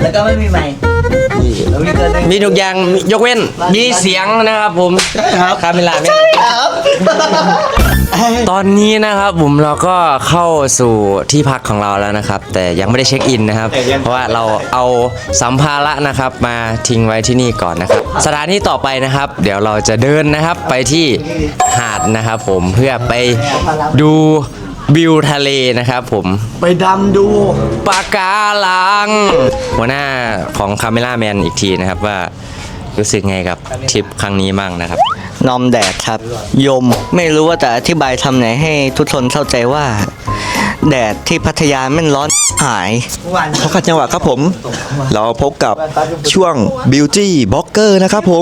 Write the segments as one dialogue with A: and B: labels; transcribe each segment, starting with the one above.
A: แล้วก็ไม่มีไมค์แล้วมีตัวหนึง
B: มีทุกอย่างยกเว้นมีเสียงนะครับผม
A: ใช่ครับ
B: คาเมล่าไม่
A: ครับ
B: ตอนนี้นะครับผมเราก็เข้าสู่ที่พักของเราแล้วนะครับ แต่ยังไม่ได้เช็คอินนะครับ เพราะว่าเราเอาสัมภาระนะครับมาทิ้งไว้ที่นี่ก่อนนะครับ สถานที่ต่อไปนะครับ เดี๋ยวเราจะเดินนะครับไปที่หาดนะครับผมเพื่อไปดูวิวทะเลนะครับผม
A: ไปดำดู
B: ปะการังหัวหน้าของคาเมล่าแมนอีกทีนะครับว่ารู้สึกไงกับทริปครั้งนี้บ้างนะครับ
C: นอมแดดครับยมไม่รู้ว่าจะอธิบายทำไหนให้ทุกคนเข้าใจว่า แดดที่พัทยาแม่นร้อนหาย
D: ขอขัดจังหวะครับผม เราพบกับช่วง Beauty Blogger นะครับผม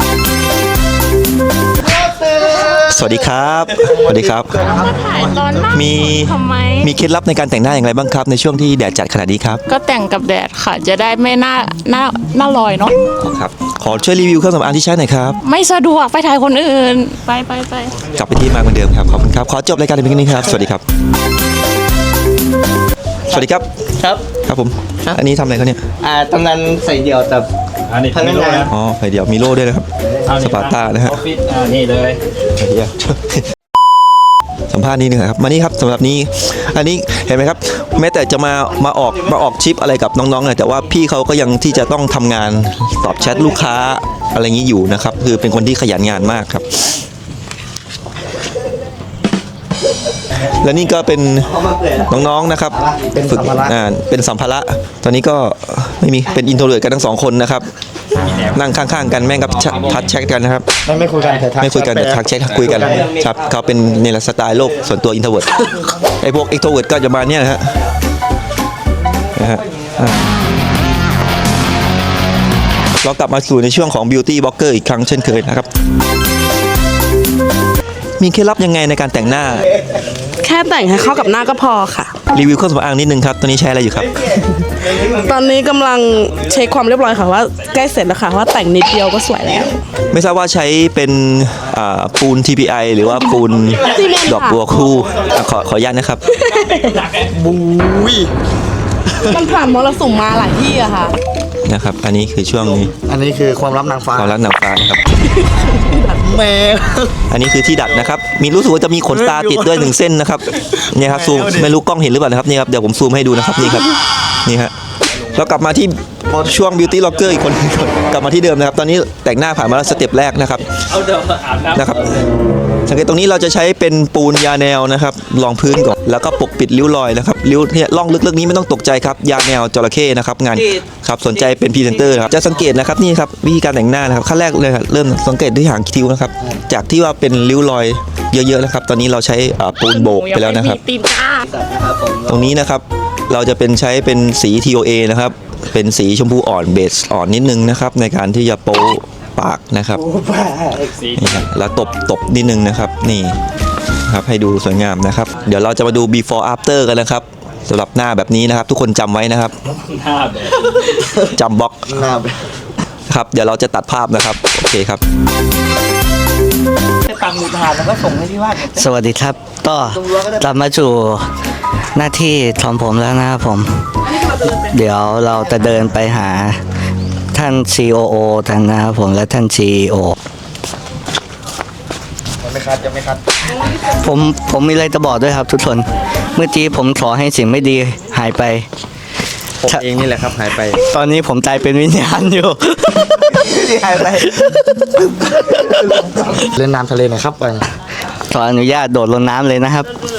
D: สวัสดีครับ สวัสดีครับ
E: ถ่ายร้อนมาก
D: มี
E: ทำไม
D: มีเคล็ดลับในการแต่งหน้าอย่างไรบ้างครับ ในช่วงที่แดดจัดขนาดนี้ครับ
E: ก็แต่งกับแดดค่ะ จะได้ไม่หน้าลอยเนาะ
D: ครับ ขอช่วยรีวิวเครื่องสำอางที่ใช้หน่อยครับ
E: ไม่สะดวกไปถ่ายคนอื่น ไป
D: กลับไปที่มาเหมือนเดิมครับ ขอบคุณครับ ขอจบรายการในเพียงนี้ครับ สวัสดีครับ สวัสดีครับ
C: ครับ
D: ครับผม อันนี้ทำอะไรเขาเนี่ย
C: ตำนานใส่เดี่ยวแต่
F: อันนี้
C: พนักงาน
D: อ๋อไฟเดียวมีโล่ด้วยนะครับ สปาร์ต้านะฮะ
F: ออฟฟิศนี่เลย
D: สัมภาษณ์นี้หนึ่งครับมานี่ครับสำหรับนี้อันนี้เห็นไหมครับ แม้แต่จะมาออกชิปอะไรกับน้องๆเนี่ยแต่ว่าพี่เขาก็ยังที่จะต้องทำงานตอบแชทลูกค้าอะไรอย่างนี้อยู่นะครับ คือเป็นคนที่ขยันงานมากครับ และนี่ก็เป็นน้องๆนะครับฝึกเป็นสัมภาระตอนนี้ก็ไม่มีเป็นอินโทรเวิร์ตกันทั้งสองคนนะครับ นั่งข้างๆกันแม่งกับทักแชทกันนะครับ
A: ไม่คุยกันแต่ทัก
D: ไม่คุยกันแต่ทักแชทคุยกันครับเขาเป็นในสไตล์โลกส่วนตัวอินโทรเวิร์ตไอ้พวกเอ็กโทรเวิร์ตก็จะมาเนี่ยนะฮะเรากลับมาสู่ในช่วงของ Beauty Blogger อีกครั้งเช่นเคยนะครับ มีเคล็ดลับยังไงในการแต่งหน้า
G: แค่แต่งให้เข้ากับหน้าก็พอค่ะ
D: รีวิวเครื่องสำอางนิดนึงครับ ตอนนี้ใช้อะไรอยู่ครับ
G: ตอนนี้กำลังเช็คความเรียบร้อยค่ะว่าใกล้เสร็จแล้วค่ะว่าแต่งนิดเดียวก็สวยแล้ว
D: ไม่ทราบว่าใช้เป็นปูน TPI หรือว่าปูน
G: ซีเมนต์ค่ะ
D: ดอกบัวคู่ขออนุญาตนะครับ
G: มันผ่านมรสุมมาหลายที่อะค่ะ
D: นะครับ อันนี้คือช่วงนี้
A: อันนี้คือความลับนางฟ้า
D: ความรักหนังฟ้านะครับ
A: แม่
D: อันนี้คือที่ดัดนะครับ มีรู้สึกว่าจะมีขนตาติดด้วยหนึ่งเส้นนะครับเนี่ยครับซูมไม่รู้กล้องเห็นหรือเปล่านะครับนี่ครับเดี๋ยวผมซูมให้ดูนะครับนี่ครับนี่ฮะเรากลับมาที่ช่วง Beauty Blogger อีกคนกลับมาที่เดิมนะครับ ตอนนี้แต่งหน้าผ่านมาแล้วสเต็ปแรกนะครับนะครับสังเกตตรงนี้เราจะใช้เป็นปูนยาแนวนะครับรองพื้นก่อนแล้วก็ปกปิดริ้วรอยนะครับริ้วเนี่ยร่องลึกๆนี้ไม่ต้องตกใจครับยาแนวจระเข้นะครับงานครับสนใจเป็นพรีเซนเตอร์ครับจะสังเกตนะครับนี่ครับวิธีการแต่งหน้านะครับขั้นแรกเลยครับเริ่มสังเกตที่หางคิ้วนะครับจากที่ว่าเป็นริ้วรอยเยอะๆนะครับตอนนี้เราใช้ปูนโบกไปแล้วนะครับ
E: ตีนกา
D: ตรงนี้นะครับเราจะเป็นใช้เป็นสี TOA นะครับเป็นสีชมพูอ่อนเบสอ่อนนิดนึงนะครับในการที่จะโป๊ปากนะครับนี่ครับแล้วตบนิดนึงนะครับนี่ครับให้ดูสวยงามนะครับ เดี๋ยวเราจะมาดู before after กันนะครับสำหรับหน้าแบบนี้นะครับ ทุกคนจำไว้นะครับ
F: หน้าแบบ
D: จำบล็อก
A: หน้าแบบ
D: ครับเดี๋ยวเราจะตัดภาพนะครับโอเคครับ
A: ตังมือทานแล้วก็ส่งให้ที่บ้าน
C: สวัสดีครับ ก็กลับมาสู่หน้าที่ของผมแล้วนะครับผม เดี๋ยวเราจะเดินไปหาท่าน COO ท่านนะครับผมและท่าน CEO
A: ไม่คัดจะไม่คัด
C: ผมมีอะไรจะบอกด้วยครับทุกคน เมื่อกี้ผมขอให้สิ่งไม่ดีหายไป
B: ผมเองนี่แหละครับหายไป
C: ตอนนี้ผมใจเป็นวิญญาณอยู่
A: ที่หายไปเล่นน้ำทะเลหน่อยครับไป
C: ขออนุญาตโดดลงน้ำเลยนะครับ
A: เ